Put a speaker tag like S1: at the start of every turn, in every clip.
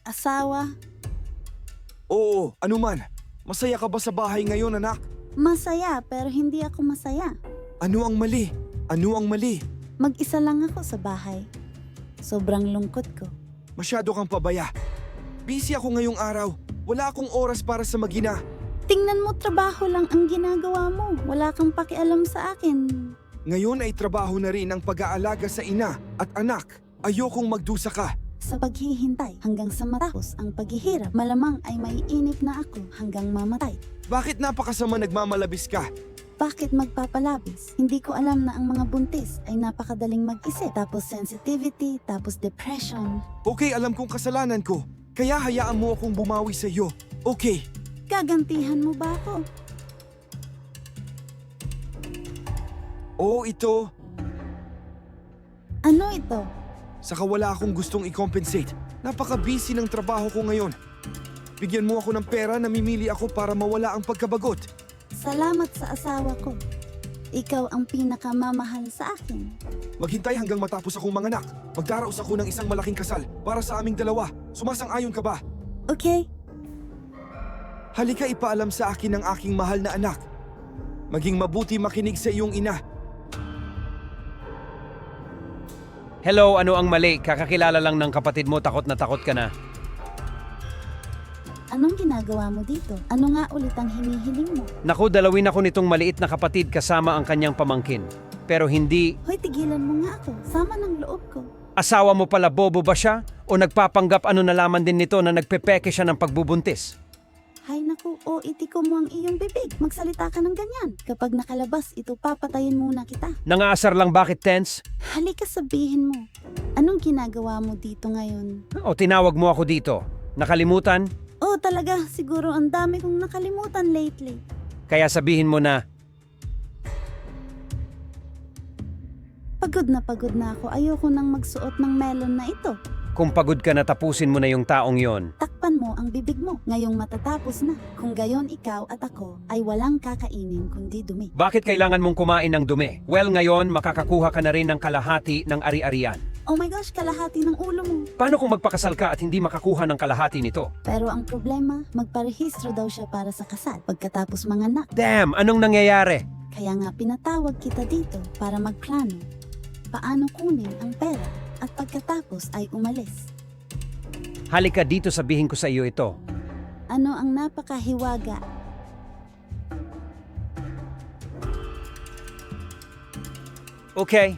S1: asawa.
S2: Oo, anuman. Masaya ka ba sa bahay ngayon, anak?
S1: Masaya pero hindi ako masaya.
S2: Ano ang mali? Ano ang mali?
S1: Mag-isa lang ako sa bahay. Sobrang lungkot ko.
S2: Masyado kang pabaya. Busy ako ngayong araw. Wala akong oras para sa magina.
S1: Tingnan mo, trabaho lang ang ginagawa mo. Wala kang pakialam sa akin.
S2: Ngayon ay trabaho na rin ang pag-aalaga sa ina at anak. Ayokong magdusa ka.
S1: Sa paghihintay hanggang sa matapos ang paghihirap, malamang ay maiinip na ako hanggang mamatay.
S2: Bakit napakasama nagmamalabis ka?
S1: Bakit magpapalabis? Hindi ko alam na ang mga buntis ay napakadaling mag-isip. Tapos sensitivity, tapos depression.
S2: Okay, alam kong kasalanan ko. Kaya hayaan mo akong bumawi sa iyo. Okay.
S1: Gagantihan mo ba ako?
S2: Oo, ito.
S1: Ano ito?
S2: Saka wala akong gustong i-compensate. Napaka-busy ng trabaho ko ngayon. Bigyan mo ako ng pera, namimili ako para mawala ang pagkabagot.
S1: Salamat sa asawa ko. Ikaw ang pinakamamahal sa akin.
S2: Maghintay hanggang matapos akong manganak. Magdaraos ako ng isang malaking kasal para sa aming dalawa. Sumasang-ayon ka ba?
S1: Okay?
S2: Halika ipaalam sa akin ng aking mahal na anak. Maging mabuti makinig sa iyong ina.
S3: Hello, ano ang mali? Kakakilala lang ng kapatid mo, takot na takot ka na.
S1: Anong ginagawa mo dito? Ano nga ulit ang hinihiling mo?
S3: Naku, dalawin ako nitong maliit na kapatid kasama ang kanyang pamangkin. Pero hindi,
S1: Hoy, tigilan mo nga ako. Sama ng loob ko.
S3: asawa mo pala, bobo ba siya? O nagpapanggap ano nalaman din nito na nagpepeke siya ng pagbubuntis?
S1: Hay naku, o itiko mo ang iyong bibig. Magsalita ka ng ganyan. Kapag nakalabas, ito papatayin muna kita.
S3: Nangaasar lang, bakit tense?
S1: Halika, sabihin mo. Anong ginagawa mo dito ngayon?
S3: O tinawag mo ako dito. Nakalimutan?
S1: Oh, talaga, siguro ang dami kong nakalimutan lately.
S3: Kaya sabihin mo na,
S1: Pagod na ako. Ayoko nang magsuot ng melon na ito.
S3: kung pagod ka na tapusin mo na yung taong yon.
S1: Takpan mo ang bibig mo. Ngayong matatapos na. Kung gayon ikaw at ako ay walang kakainin kundi dumi.
S3: Bakit kailangan mong kumain ng dumi? Well, ngayon makakakuha ka na rin ng kalahati ng ari-arian.
S1: Oh my gosh, kalahati ng ulo mo.
S3: Paano kung magpakasal ka at hindi makakuha ng kalahati nito?
S1: Pero ang problema, magparehistro daw siya para sa kasal pagkatapos manganak.
S3: Damn, anong nangyayari?
S1: Kaya nga pinatawag kita dito para magplano. Paano kunin ang pera at pagkatapos ay umalis.
S3: Halika dito, sabihin ko sa iyo ito.
S1: Ano ang napakahiwaga?
S3: Okay,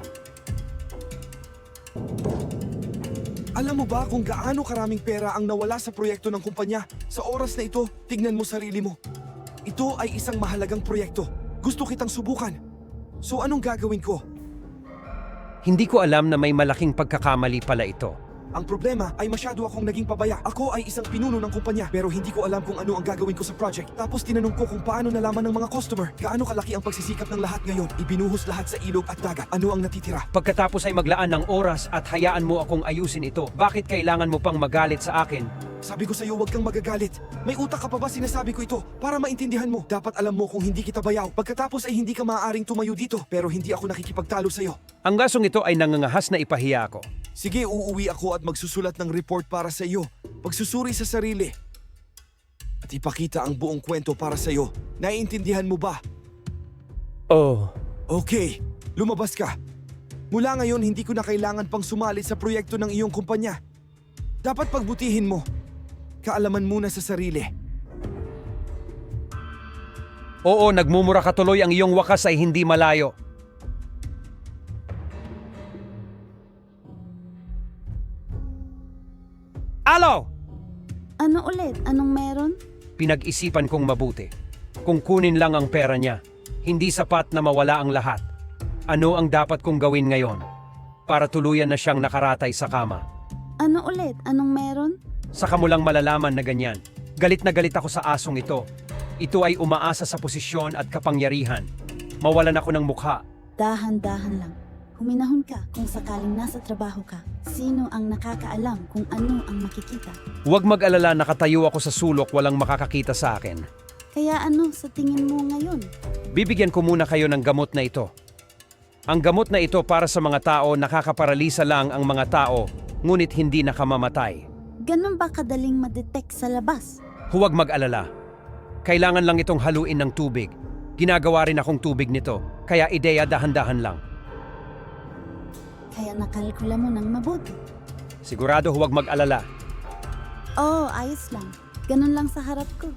S2: Alam mo ba kung gaano karaming pera ang nawala sa proyekto ng kumpanya? Sa oras na ito, tignan mo sarili mo. Ito ay isang mahalagang proyekto. Gusto kitang subukan. So anong gagawin ko?
S3: hindi ko alam na may malaking pagkakamali pala ito.
S2: Ang problema ay masyado akong naging pabaya. Ako ay isang pinuno ng kumpanya pero hindi ko alam kung ano ang gagawin ko sa project. Tapos tinanong ko kung paano nalaman ng mga customer. Gaano kalaki ang pagsisikap ng lahat ngayon. Ibinuhos lahat sa ilog at dagat. Ano ang natitira?
S3: Pagkatapos ay maglaan ng oras at hayaan mo akong ayusin ito. Bakit kailangan mo pang magalit sa akin?
S2: Sabi ko sa'yo, huwag kang magagalit. May utak ka pa ba sinasabi ko ito? Para maintindihan mo, dapat alam mo kung hindi kita bayaw. Pagkatapos ay hindi ka maaaring tumayo dito. Pero hindi ako nakikipagtalo sa'yo.
S3: Ang gasong ito ay nangangahas na ipahiya ako.
S2: Sige, uuwi ako at magsusulat ng report para sa iyo. Pagsusuri sa sarili. At ipakita ang buong kwento para sa iyo. Naiintindihan mo ba?
S3: Oh,
S2: Okay, lumabas ka. Mula ngayon, hindi ko na kailangan pang sumali sa proyekto ng iyong kumpanya. Dapat pagbutihin mo. Kaalaman muna sa sarili.
S3: oo, nagmumura ka tuloy, ang iyong wakas ay hindi malayo. Alo!
S1: Ano ulit? Anong meron?
S3: Pinag-isipan kong mabuti. Kung kunin lang ang pera niya, hindi sapat na mawala ang lahat. Ano ang dapat kong gawin ngayon? Para tuluyan na siyang nakaratay sa kama.
S1: Ano ulit? Anong meron?
S3: Saka mo lang malalaman na ganyan. Galit na galit ako sa asong ito. Ito ay umaasa sa posisyon at kapangyarihan. Mawalan ako ng mukha.
S1: Dahan-dahan lang. Huminahon ka kung sakaling nasa trabaho ka. Sino ang nakakaalam kung ano ang makikita?
S3: Huwag mag-alala, nakatayo ako sa sulok, walang makakakita sa akin.
S1: Kaya ano sa tingin mo ngayon?
S3: Bibigyan ko muna kayo ng gamot na ito. Ang gamot na ito para sa mga tao, nakakaparalisa lang ang mga tao, ngunit hindi nakamamatay.
S1: Ganun ba kadaling madetect sa labas?
S3: Huwag mag-alala. Kailangan lang itong haluin ng tubig. Ginagawa rin akong tubig nito, kaya ideya dahan-dahan lang.
S1: Kaya nakalkula mo ng mabuti.
S3: Sigurado huwag mag-alala.
S1: Oo, ayos lang. Ganun lang sa harap ko.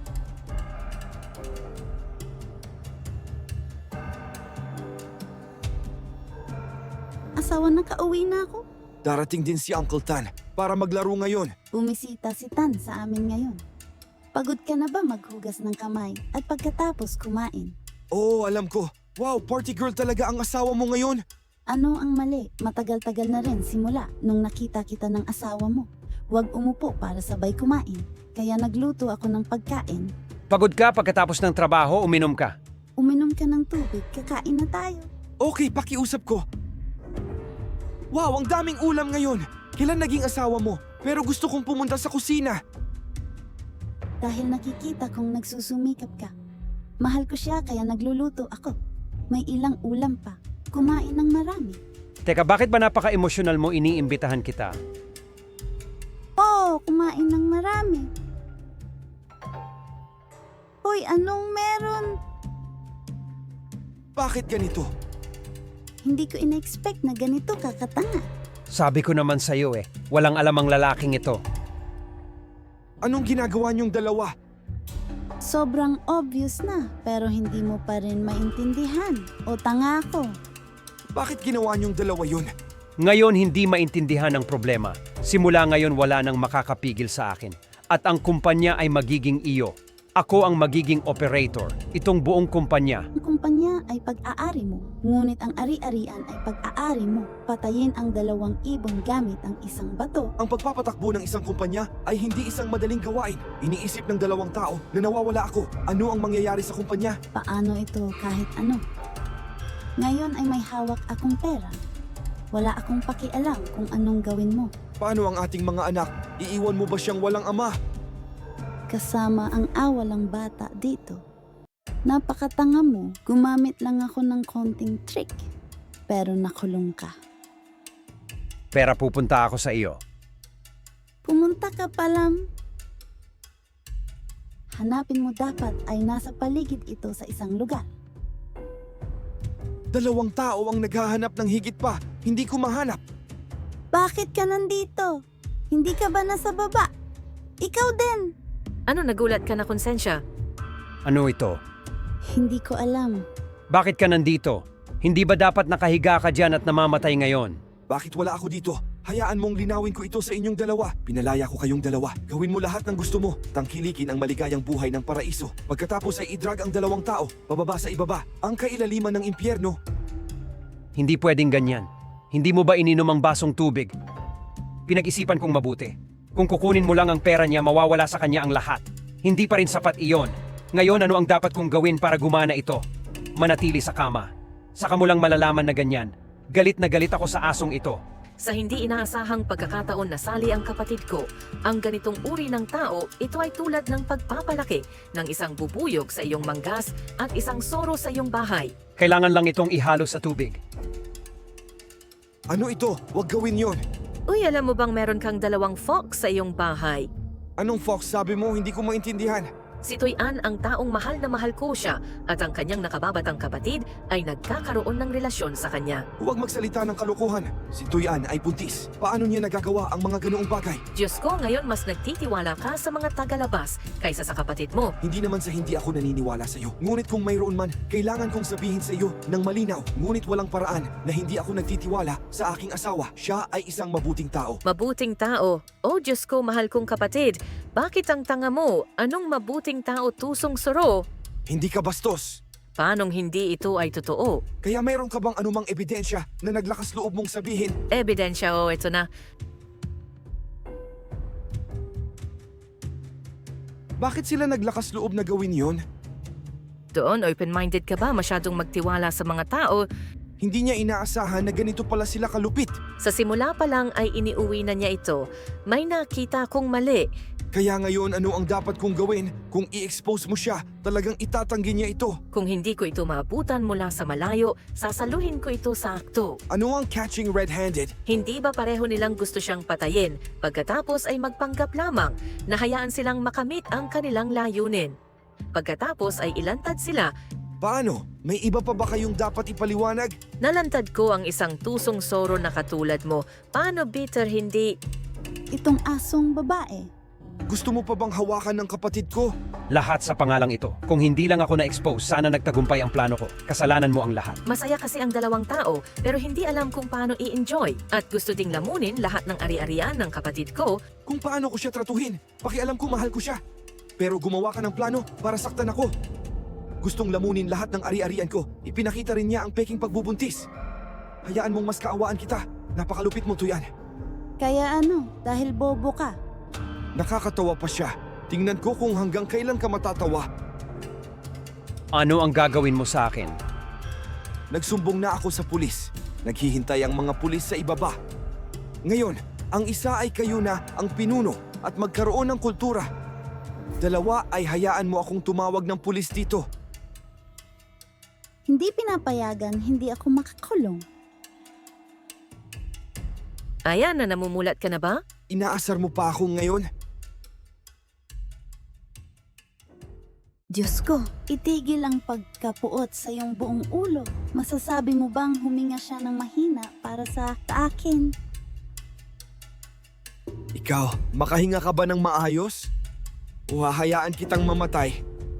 S1: Asawa na kauwi na ako.
S2: Darating din si Uncle Tan para maglaro ngayon.
S1: Bumisita si Tan sa amin ngayon. Pagod ka na ba maghugas ng kamay at pagkatapos kumain?
S2: Oo, alam ko. Wow, party girl talaga ang asawa mo ngayon.
S1: Ano ang mali? Matagal-tagal na rin simula nung nakita kita ng asawa mo. Huwag umupo para sabay kumain. Kaya nagluto ako ng pagkain.
S3: Pagod ka pagkatapos ng trabaho, uminom ka.
S1: Uminom ka ng tubig, kakain na tayo.
S2: Okay, pakiusap ko. Wow, ang daming ulam ngayon. Kailan naging asawa mo? Pero gusto kong pumunta sa kusina.
S1: Dahil nakikita kong nagsusumikap ka. Mahal ko siya kaya nagluluto ako. May ilang ulam pa. Kumain ng marami.
S3: Teka, bakit ba napaka-emosyonal mo iniimbitahan kita?
S1: Oo, kumain ng marami. Hoy, anong meron?
S2: Bakit ganito?
S1: Hindi ko ina-expect na ganito kakatanga.
S3: Sabi ko naman sa'yo walang alam ang lalaking ito.
S2: Anong ginagawa niyong dalawa?
S1: Sobrang obvious na, pero hindi mo pa rin maintindihan. O tanga ako.
S2: Bakit ginawa niyong dalawa yun?
S3: Ngayon hindi maintindihan ang problema. Simula ngayon wala nang makakapigil sa akin. At ang kumpanya ay magiging iyo. Ako ang magiging operator. Itong buong kumpanya.
S1: Ang kumpanya ay pag-aari mo, ngunit ang ari-arian ay pag-aari mo. Patayin ang 2 ibon gamit ang isang bato.
S2: Ang pagpapatakbo ng isang kumpanya ay hindi isang madaling gawain. Iniisip ng 2 tao na nawawala ako. Ano ang mangyayari sa kumpanya?
S1: Paano ito kahit ano? Ngayon ay may hawak akong pera. Wala akong pakialam kung anong gawin mo.
S2: Paano ang ating mga anak? Iiwan mo ba siyang walang ama?
S1: Kasama ang awalang bata dito. Napakatanga mo, gumamit lang ako ng konting trick. Pero nakulong ka.
S3: Pera pupunta ako sa iyo.
S1: Pumunta ka palam. Hanapin mo dapat ay nasa paligid ito sa isang lugar.
S2: 2 tao ang naghahanap ng higit pa. Hindi ko mahanap.
S1: Bakit ka nandito? Hindi ka ba nasa baba? Ikaw din.
S4: Ano nagulat ka na, Konsensya?
S3: Ano ito?
S1: Hindi ko alam.
S3: Bakit ka nandito? Hindi ba dapat nakahiga ka dyan at namamatay ngayon?
S2: Bakit wala ako dito? Hayaan mong linawin ko ito sa inyong 2. Pinalaya ko kayong 2. Gawin mo lahat ng gusto mo. Tangkilikin ang maligayang buhay ng paraiso. Pagkatapos ay idrag ang 2 tao, pababa sa ibaba, ang kailaliman ng impyerno.
S3: Hindi pwedeng ganyan. Hindi mo ba ininom ang basong tubig? Pinag-isipan kong mabuti. Kung kukunin mo lang ang pera niya, mawawala sa kanya ang lahat. Hindi pa rin sapat iyon. Ngayon, ano ang dapat kong gawin para gumana ito? Manatili sa kama. Saka mo lang malalaman na ganyan. Galit na galit ako sa asong ito.
S4: Sa hindi inaasahang pagkakataon na sali ang kapatid ko, ang ganitong uri ng tao, ito ay tulad ng pagpapalaki ng isang bubuyog sa iyong manggas at isang soro sa iyong bahay.
S3: Kailangan lang itong ihalo sa tubig.
S2: Ano ito? Huwag gawin yon.
S4: Uy, alam mo bang meron kang 2 fox sa iyong bahay?
S2: Anong Fox sabi mo? Hindi ko maintindihan.
S4: Si Tuyan ang taong mahal na mahal ko siya at ang kanyang nakababatang kapatid ay nagkakaroon ng relasyon sa kanya.
S2: Huwag magsalita ng kalokohan. Si Tuyan ay buntis. Paano niya nagagawa ang mga ganoong bagay?
S4: Diyos ko, ngayon mas nagtitiwala ka sa mga tagalabas kaysa sa kapatid mo.
S2: Hindi naman sa hindi ako naniniwala sa iyo. Ngunit kung mayroon man, kailangan kong sabihin sa iyo ng malinaw. Ngunit walang paraan na hindi ako nagtitiwala sa aking asawa. Siya ay isang mabuting tao.
S4: Mabuting tao. Oh Diyos ko, mahal kong kapatid. Bakit ang tanga mo? Anong mabuting tao tusong suro?
S2: Hindi ka bastos.
S4: Paanong hindi ito ay totoo?
S2: Kaya mayroon ka bang anumang ebidensya na naglakas loob mong sabihin?
S4: Ebidensya o ito na.
S2: Bakit sila naglakas loob na gawin yon?
S4: Doon, open-minded ka ba? Masyadong magtiwala sa mga tao.
S2: Hindi niya inaasahan na ganito pala sila kalupit.
S4: Sa simula pa lang ay iniuwi na niya ito. May nakita kong mali.
S2: Kaya ngayon ano ang dapat kong gawin? Kung i-expose mo siya, talagang itatanggi niya ito.
S4: Kung hindi ko ito maabutan mula sa malayo, sasaluhin ko ito sa akto.
S2: Ano ang catching red-handed?
S4: Hindi ba pareho nilang gusto siyang patayin, pagkatapos ay magpanggap lamang na hayaan silang makamit ang kanilang layunin? Pagkatapos ay ilantad sila.
S2: Paano? May iba pa ba kayong dapat ipaliwanag?
S4: Nalantad ko ang isang tusong Zoro na katulad mo. Paano, Peter, hindi...
S1: Itong asong babae.
S2: Gusto mo pa bang hawakan ng kapatid ko?
S3: Lahat sa pangalang ito. Kung hindi lang ako na-expose, sana nagtagumpay ang plano ko. Kasalanan mo ang lahat.
S4: Masaya kasi ang dalawang tao pero hindi alam kung paano i-enjoy at gusto ding lamunin lahat ng ari-arian ng kapatid ko.
S2: Kung paano ko siya tratuhin? Pakialam ko mahal ko siya. Pero gumawa ka ng plano para saktan ako. Gustong lamunin lahat ng ari-arian ko. Ipinakita rin niya ang peking pagbubuntis. Hayaan mong mas kaawaan kita. Napakalupit mo, Tuyan.
S1: Kaya ano, dahil bobo ka.
S2: Nakakatawa pa siya. Tingnan ko kung hanggang kailan ka matatawa.
S3: Ano ang gagawin mo sa akin?
S2: Nagsumbong na ako sa pulis. Naghihintay ang mga pulis sa ibaba. Ngayon, ang isa ay kayo na ang pinuno at magkaroon ng kultura. Dalawa ay hayaan mo akong tumawag ng pulis dito.
S1: Hindi pinapayagan, hindi ako makakulong.
S4: Ayan na, namumulat ka na ba?
S2: Inaasar mo pa ako ngayon?
S1: Diyos ko, itigil ang pagkapuot sa iyong buong ulo. Masasabi mo bang huminga siya ng mahina para sa akin?
S2: Ikaw, makahinga ka ba ng maayos? O hahayaan kitang mamatay?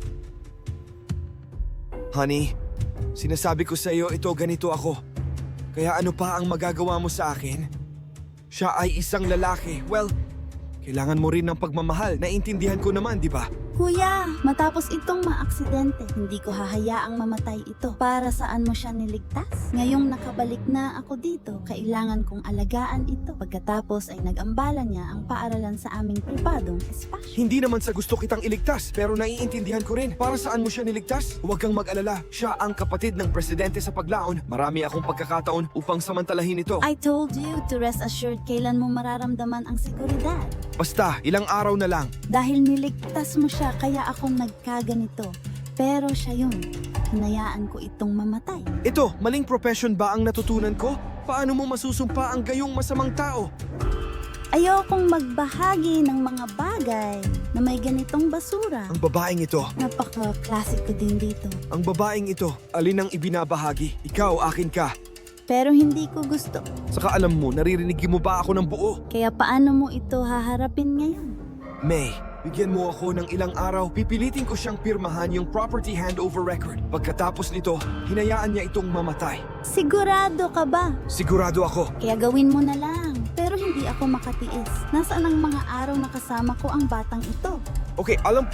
S2: Honey, sinasabi ko sa iyo ito ganito ako. Kaya ano pa ang magagawa mo sa akin? Siya ay isang lalaki. Well, kailangan mo rin ng pagmamahal. Naintindihan ko naman, di ba?
S1: Kuya, matapos itong maaksidente, hindi ko hahayaang mamatay ito. Para saan mo siya niligtas? Ngayong nakabalik na ako dito, kailangan kong alagaan ito. Pagkatapos ay nag-ambala niya ang paaralan sa aming pribadong espasyo.
S2: Hindi naman sa gusto kitang iligtas, pero naiintindihan ko rin. Para saan mo siya niligtas? Huwag kang mag-alala. Siya ang kapatid ng presidente sa paglaon. Marami akong pagkakataon upang samantalahin ito.
S1: I told you to rest assured kailan mo mararamdaman ang seguridad.
S2: Basta, ilang araw na lang.
S1: Dahil niligtas mo siya, kaya ako nagkaganito. Pero siya yun. Hinayaan ko itong mamatay.
S2: Ito, maling profession ba ang natutunan ko? Paano mo masusumpa ang gayong masamang tao?
S1: Ayokong magbahagi ng mga bagay na may ganitong basura.
S2: Ang babaeng ito,
S1: Napaka-classic ko din dito.
S2: ang babaeng ito, alin ang ibinabahagi? Ikaw, akin ka.
S1: Pero hindi ko gusto.
S2: Saka alam mo, naririnig mo ba ako ng buo?
S1: Kaya paano mo ito haharapin ngayon?
S2: May, bigyan mo ako ng ilang araw, pipilitin ko siyang pirmahan yung property handover record. Pagkatapos nito, hinayaan niya itong mamatay.
S1: Sigurado ka ba?
S2: Sigurado ako.
S1: Kaya gawin mo na lang. Pero hindi ako makatiis. Nasaan ang mga araw na kasama ko ang batang ito?
S2: Okay, alam...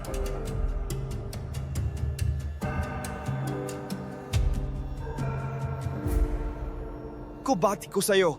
S2: Bati ko sa'yo.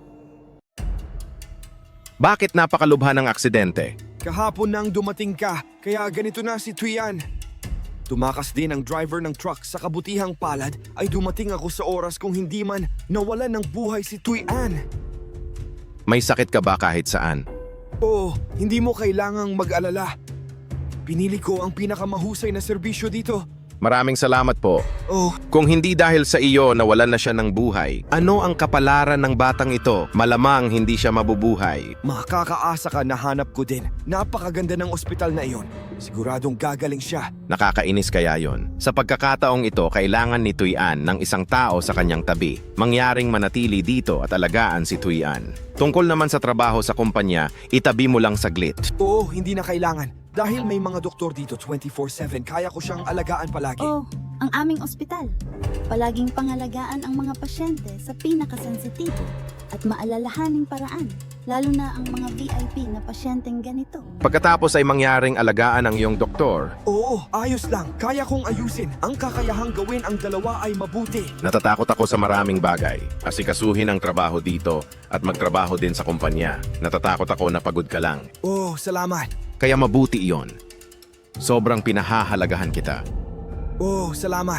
S5: Bakit napakalubha ng aksidente?
S2: Kahapon nang dumating ka, kaya ganito na si Tuyan. Tumakas din ang driver ng truck sa kabutihang palad ay dumating ako sa oras kung hindi man nawalan ng buhay si Tuyan.
S5: May sakit ka ba kahit saan?
S2: Oo, hindi mo kailangang mag-alala. Pinili ko ang pinakamahusay na serbisyo dito.
S5: Maraming salamat po.
S2: Oh,
S5: Kung hindi dahil sa iyo nawalan na siya ng buhay, ano ang kapalaran ng batang ito? Malamang hindi siya mabubuhay.
S2: makakaasa ka na hanap ko din. Napakaganda ng ospital na iyon. Siguradong gagaling siya.
S5: Nakakainis kaya yon. Sa pagkakataong ito, kailangan ni Tuyan ng isang tao sa kanyang tabi. Mangyaring manatili dito at alagaan si Tuyan. Tungkol naman sa trabaho sa kumpanya, itabi mo lang saglit.
S2: Oo, hindi na kailangan. Dahil may mga doktor dito 24/7, kaya ko siyang alagaan palagi.
S1: Oh, ang aming ospital. Palaging pangalagaan ang mga pasyente sa pinakasensitibo at maalalahaning paraan, lalo na ang mga VIP na pasyenteng ganito.
S5: Pagkatapos ay mangyaring alagaan ang iyong doktor,
S2: Oo, ayos lang. Kaya kong ayusin. Ang kakayahang gawin ang dalawa ay mabuti.
S5: natatakot ako sa maraming bagay. Asikasuhin ang trabaho dito at magtrabaho din sa kumpanya. Natatakot ako na pagod ka lang.
S2: Oh, salamat.
S5: Kaya mabuti iyon. Sobrang pinahahalagahan kita.
S2: Oh, salamat.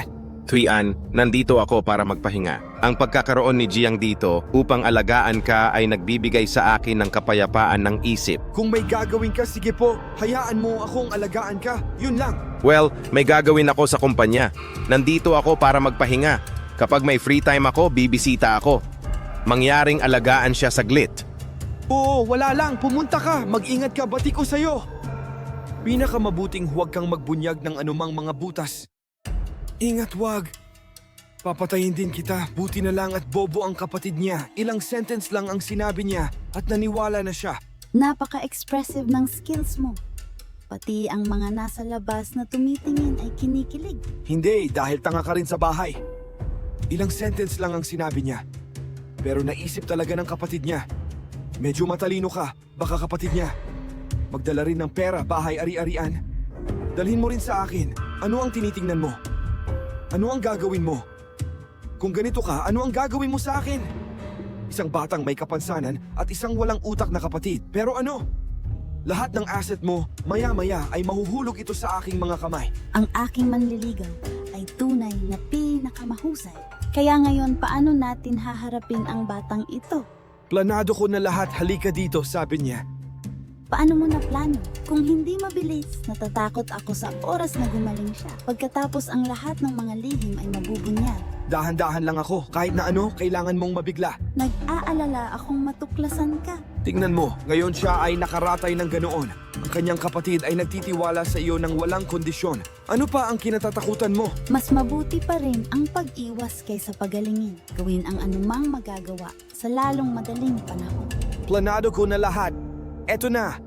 S5: Tuyan, nandito ako para magpahinga. Ang pagkakaroon ni Jiang dito upang alagaan ka ay nagbibigay sa akin ng kapayapaan ng isip.
S2: Kung may gagawin ka, sige po. Hayaan mo akong alagaan ka. Yun lang.
S5: Well, may gagawin ako sa kumpanya. Nandito ako para magpahinga. Kapag may free time ako, bibisita ako. Mangyaring alagaan siya saglit.
S2: Oo, wala lang. Pumunta ka. Mag-ingat ka. Bati ko sa'yo. Pinakamabuting huwag kang magbunyag ng anumang mga butas. Ingat, wag. Papatayin din kita. Buti na lang at bobo ang kapatid niya. Ilang sentence lang ang sinabi niya at naniwala na siya.
S1: Napaka-expressive ng skills mo. Pati ang mga nasa labas na tumitingin ay kinikilig.
S2: Hindi, dahil tanga ka rin sa bahay. Ilang sentence lang ang sinabi niya. Pero naisip talaga ng kapatid niya. Medyo matalino ka, baka kapatid niya. Magdala rin ng pera, bahay, ari-arian. Dalhin mo rin sa akin. Ano ang tinitingnan mo? Ano ang gagawin mo? Kung ganito ka, ano ang gagawin mo sa akin? Isang batang may kapansanan at isang walang utak na kapatid. Pero ano? Lahat ng asset mo, maya-maya ay mahuhulog ito sa aking mga kamay.
S1: Ang aking manliligaw ay tunay na pinakamahusay. Kaya ngayon, paano natin haharapin ang batang ito?
S2: Planado ko na lahat, halika dito, sabi niya.
S1: Paano mo na plano? Kung hindi mabilis, natatakot ako sa oras na gumaling siya. Pagkatapos ang lahat ng mga lihim ay mabubunyag.
S2: Dahan-dahan lang ako, kahit na ano, kailangan mong mabigla.
S1: Nag-aalala akong matuklasan ka.
S2: Tingnan mo, ngayon siya ay nakaratay ng ganoon. Ang kanyang kapatid ay nagtitiwala sa iyo ng walang kondisyon. Ano pa ang kinatatakutan mo?
S1: Mas mabuti pa rin ang pag-iwas kaysa pagalingin. Gawin ang anumang magagawa sa lalong madaling panahon.
S2: Planado ko na lahat. Eto na,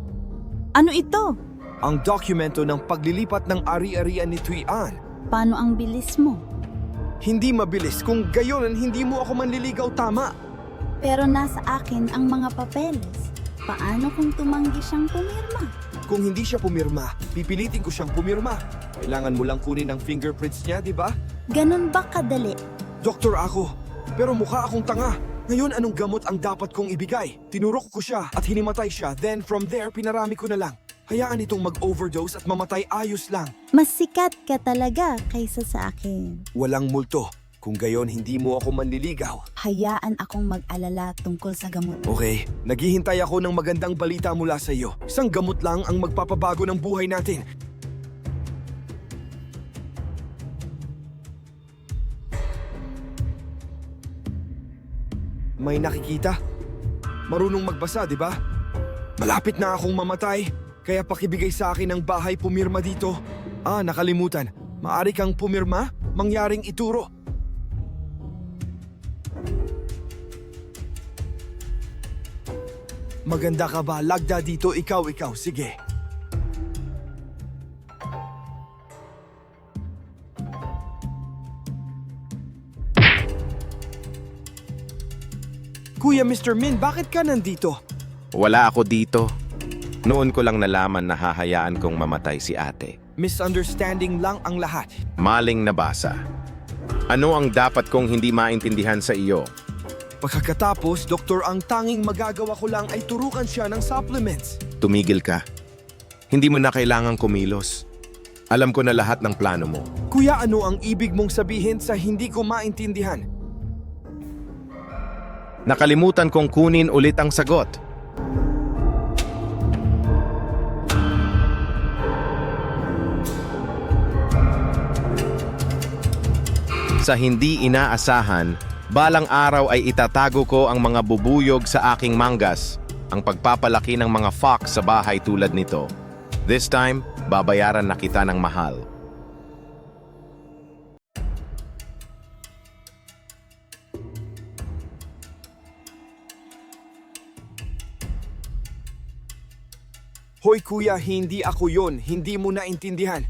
S1: Ano ito?
S2: ang dokumento ng paglilipat ng ari-arian ni Tuyan.
S1: Paano ang bilis mo?
S2: Hindi mabilis, kung gayon hindi mo ako manliligaw, tama.
S1: Pero nasa akin ang mga papeles. Paano kung tumanggi siyang pumirma?
S2: Kung hindi siya pumirma, pipilitin ko siyang pumirma. Kailangan mo lang kunin ang fingerprints niya, di ba?
S1: Ganun ba kadali?
S2: Doktor ako, pero mukha akong tanga. Ngayon anong gamot ang dapat kong ibigay? Tinurok ko siya at hinimatay siya, then from there pinarami ko na lang. Hayaan itong mag-overdose at mamatay ayos lang.
S1: Mas sikat ka talaga kaysa sa akin.
S2: Walang multo. Kung gayon hindi mo ako manliligaw.
S1: Hayaan akong mag-alala tungkol sa gamot.
S2: Okay, naghihintay ako ng magandang balita mula sa iyo. Isang gamot lang ang magpapabago ng buhay natin. May nakikita? Marunong magbasa, di ba? Malapit na akong mamatay, kaya pakibigay sa akin ng bahay pumirma dito. Ah, nakalimutan. Maari kang pumirma, mangyaring ituro. Maganda ka ba? Lagda dito, ikaw, sige. Kuya Mr. Min, bakit ka nandito?
S5: Wala ako dito. Noon ko lang nalaman na hahayaan kong mamatay si ate.
S2: Misunderstanding lang ang lahat.
S5: Maling nabasa. Ano ang dapat kong hindi maintindihan sa iyo?
S2: Pagkatapos, doktor, ang tanging magagawa ko lang ay turukan siya ng supplements.
S5: Tumigil ka. Hindi mo na kailangang kumilos. Alam ko na lahat ng plano mo.
S2: Kuya, ano ang ibig mong sabihin sa hindi ko maintindihan?
S5: Nakalimutan kong kunin ulit ang sagot. Sa hindi inaasahan, balang araw ay itatago ko ang mga bubuyog sa aking manggas, ang pagpapalaki ng mga fox sa bahay tulad nito. This time, babayaran na kita ng mahal.
S2: Hoy kuya, hindi ako yon. Hindi mo naintindihan.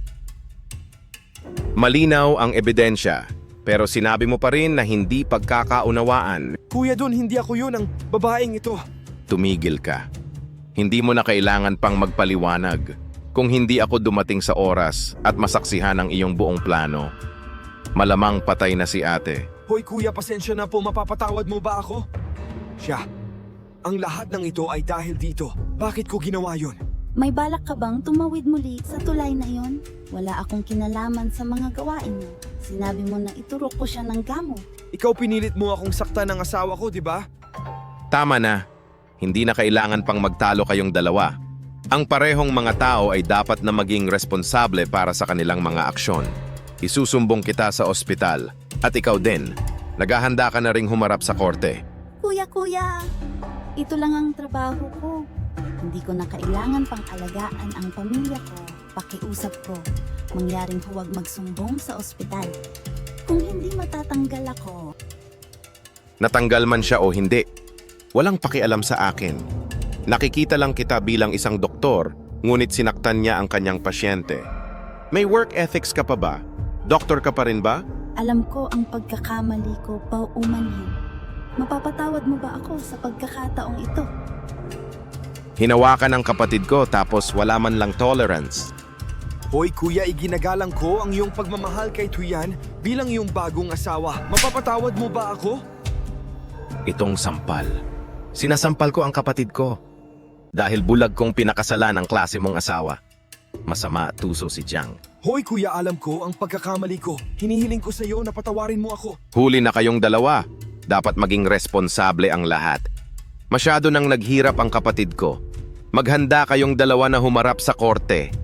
S5: Malinaw ang ebidensya, pero sinabi mo pa rin na hindi pagkakaunawaan.
S2: Kuya, doon hindi ako yon, ang babaeng ito.
S5: Tumigil ka. Hindi mo na kailangan pang magpaliwanag. Kung hindi ako dumating sa oras at masaksihan ang iyong buong plano, malamang patay na si ate.
S2: Hoy kuya, pasensya na po, mapapatawad mo ba ako? Siya, ang lahat ng ito ay dahil dito. Bakit ko ginawa yon?
S1: May balak ka bang tumawid muli sa tulay na iyon? Wala akong kinalaman sa mga gawain mo. Sinabi mo na iturok ko siya ng gamot.
S2: Ikaw pinilit mo akong saktan ng asawa ko, di ba?
S5: Tama na. Hindi na kailangan pang magtalo kayong dalawa. Ang parehong mga tao ay dapat na maging responsable para sa kanilang mga aksyon. Isusumbong kita sa ospital. At ikaw din. Naghahanda ka na ring humarap sa korte.
S1: Kuya! Ito lang ang trabaho ko. Hindi ko na kailangan pang alagaan ang pamilya ko. Pakiusap ko, mangyaring huwag magsumbong sa ospital. Kung hindi matatanggal ako,
S5: Natanggal man siya o hindi, walang pakialam sa akin. Nakikita lang kita bilang isang doktor, ngunit sinaktan niya ang kanyang pasyente. May work ethics ka pa ba? Doktor ka pa rin ba?
S1: alam ko ang pagkakamali ko paumanhin. Mapapatawad mo ba ako sa pagkakataong ito?
S5: Hinawakan ng kapatid ko tapos wala man lang tolerance.
S2: Hoy kuya, iginagalang ko ang iyong pagmamahal kay Tuyan bilang iyong bagong asawa. Mapapatawad mo ba ako?
S5: Itong sampal. Sinasampal ko ang kapatid ko. Dahil bulag kong pinakasalan ang klase mong asawa. Masama at tuso si Jiang.
S2: Hoy kuya, alam ko ang pagkakamali ko. Hinihiling ko sa iyo na patawarin mo ako.
S5: Huli na kayong dalawa. Dapat maging responsable ang lahat. Masyado nang naghirap ang kapatid ko. Maghanda kayong dalawa na humarap sa korte.